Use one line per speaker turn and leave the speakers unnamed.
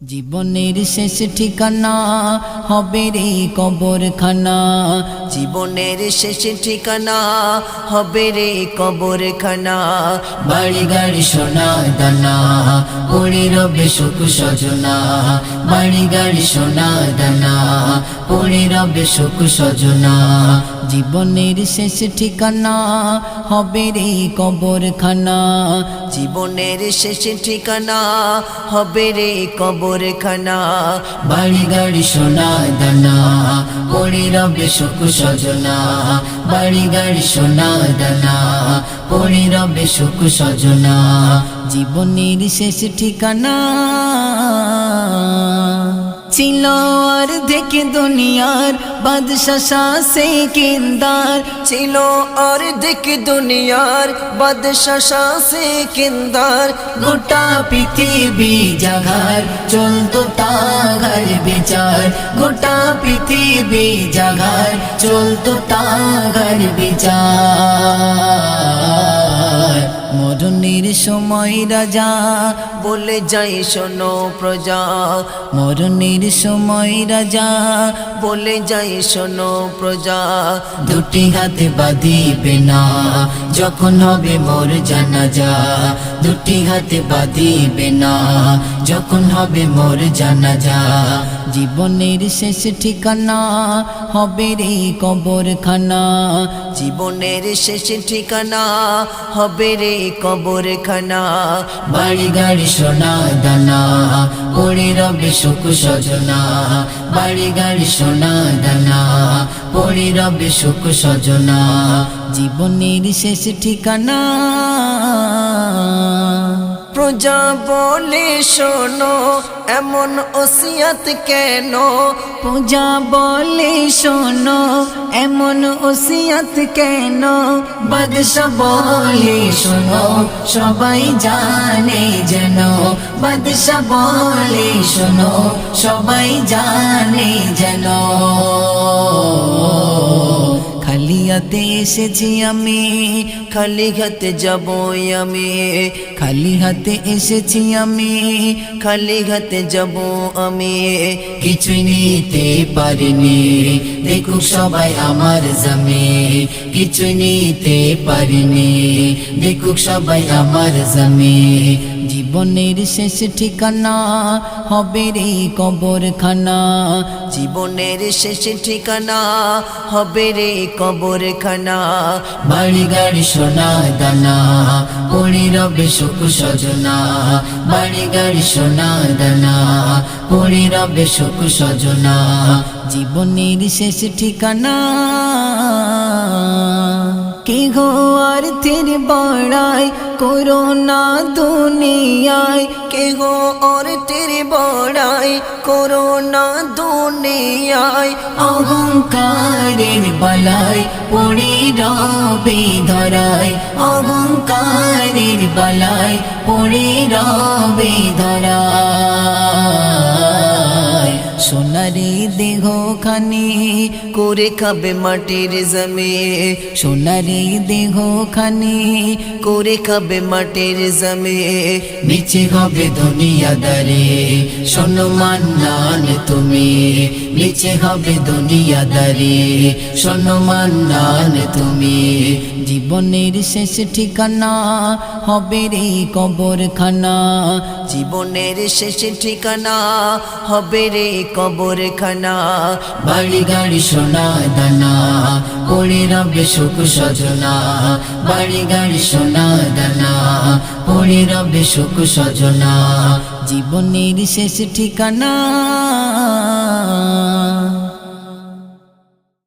জীবনের শেষ ঠিকানা হবে রে কবরখানা।
জীবনের শেষ ঠিকানা হবে রে কবরখানা।
বাড়ি গাড়ি সোনা দানা পড়ে রবে সুখ সজনা। বাড়ি গাড়ি সোনা দানা পড়ে রবে সুখ সজনা। জীবনের শেষ ঠিকানা হবে রে কবরখানা।
জীবনের শেষ ঠিকানা হবে রে কবরখানা।
বাড়ি গাড়ি সোনা দানা পড়ে রবে সুখ সজনা। বাড়ি গাড়ি সোনা দানা পড়ে রবে সুখ সজনা। জীবনের শেষ ঠিকানা ছিল আর দেখে দুনিয়ার বাদশা শাসে কিন্দার।
ছিল আর দেখ দুনিয়ার বাদশা শাসে কিন্দার।
গোটা পৃথিবী জাগার চলতো তাগার বিচার। গোটা পৃথিবী জাগার চলতো তাগার বিচার। মরণের সময় রাজা
বলে যাই শোনো প্রজা।
মরণের সময় রাজা
বলে যাই শোনো প্রজা।
দুটি হাতে বাঁধিবে না যখন হবে মোর জানাজা। দুটি হাতে বাঁধিবে না যখন হবে মোর জানাজা। জীবনের শেষ ঠিকানা হবে রে কবরখানা।
জীবনের শেষ ঠিকানা হবে রে কবরখানা।
বাড়ি গাড়ি সোনা দানা পড়ে রবে সুখ সজনা। বাড়ি গাড়ি সোনা দানা পড়ে রবে সুখ সজনা। জীবনের শেষ ঠিকানা
প্রজা বলে শোনো এমন ওসিয়ত কেন।
পূজা বলে শোনো এমন ওসিয়ত কেন। বাদশা বলে শোনো সবাই জানে যেন। বাদশা বলে শোনো সবাই জানে যেন। খালি হাতে এসেছি আমি
খালি হাতে যাবই আমি।
খালি হাতে এসেছি আমি
খালি হাতে যাব আমি।
কিছুই নিতে পারিনি দেখুক সবাই আমার জমি। কিছুই নিতে পারিনি দেখুক সবাই আমার জমি। জীবনের শেষ ঠিকানা হবে রে কবরখানা।
জীবনের শেষ ঠিকানা হবে রে কবরখানা।
বাড়ি গাড়ি সোনা দানা পড়ে রবে সুখ সজনা। বাড়ি গাড়ি সোনা দানা পড়ে রবে সুখ সজনা। জীবনের শেষ ঠিকানা কে গো অর্থের বড়াই করোনা দুনিয়ায়।
কেহ অর্থের বড়াই করোনা দুনিয়ায়।
অহংকারের বালায় পড়ে রবে ধরায়। অহংকারের বালায় পড়ে রবে ধরায়। সোনারে দেহ খানি
করে খাবে মাটির জমি।
সোনারে দেহ খানি
করে খাবে মাটির জমি।
নিচে হবে দুনিয়াদারে শোনো মান্নান তুমি। নিচে হবে দুনিয়াদারে শোনো মান্নান তুমি। জীবনের শেষ ঠিকানা হবে রে কবরখানা।
জীবনের শেষ ঠিকানা হবে রে কবরখানা।
বাড়ি গাড়ি সোনা দানা পড়ে রবে সুখ সজনা। বাড়ি গাড়ি সোনা দানা পড়ে রবে সুখ সজনা। জীবনের শেষ ঠিকানা